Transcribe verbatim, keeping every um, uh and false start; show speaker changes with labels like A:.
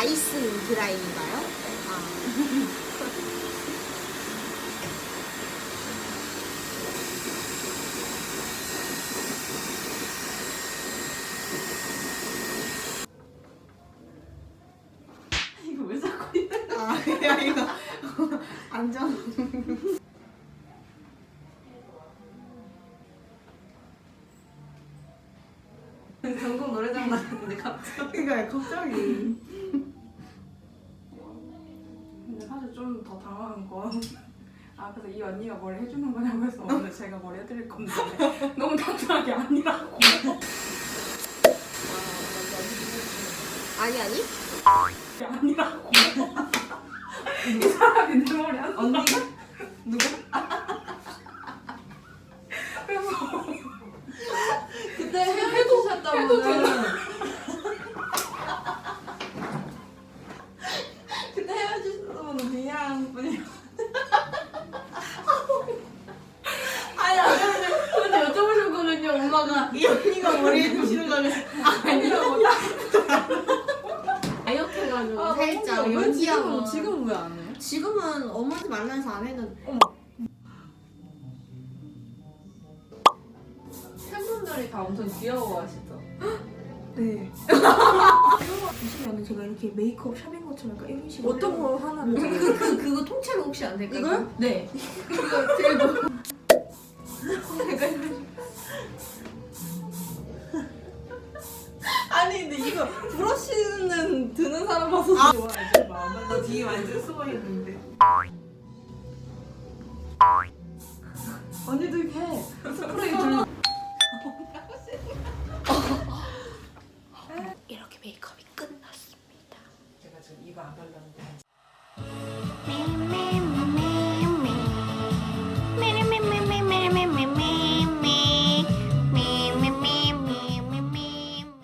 A: 다이슨 드라이인가요? 아.
B: 이거 왜 자꾸 있는 거야?
A: 아, 그냥 이거 안전.
B: 전국 노래장 나갔는데 갑자기.
A: 그러니까 갑자기.
B: 근데 사실 좀 더 당황한 건, 아 그래서 이 언니가 뭘 해주는 거냐고 해서 오늘 제가 뭘 해드릴 건데 너무 단순하게 아니라고.
A: 아니 아니.
B: 아니라고. 이 사람이 내 머리 안
C: 언니가? 누구?
B: 그래서
C: 그때 헤어지셨다고는. 그때 헤어지셨다고는 그냥 분이. 아니 아니 근데 여쭤보셨거든요. 엄마가 이 언니가 머리 해주시는 거는 아니라고.
A: 다이어트해가지고
C: 아,
A: 살짝
C: 왜 지금은
A: 연기하고.
C: 지금은 왜 안 해요?
A: 지금은 엄마한테 말라서 안 했는데.
C: 어머. 팬분들이 다 엄청 귀여워하시죠?
A: 네. 보시면 제가 이렇게 메이크업 샵인 것처럼 약간 이런 식으로
C: 어떤 거 하나를?
A: 그, 그, 그거 통째로 혹시 안 될까요?
C: 이거요?
A: 네.
C: 그거 들고. 아니 근데 이거 브러쉬는 드는 사람 봐서
A: 아.
C: 좋아하지 마. 나 뒤에 완전 숨어 있는데. 언니도 이렇게 해. 스프레이 들고.
A: 이렇게 메이크업이 끝났습니다.
C: 제가 지금 이거 안 발랐는데 한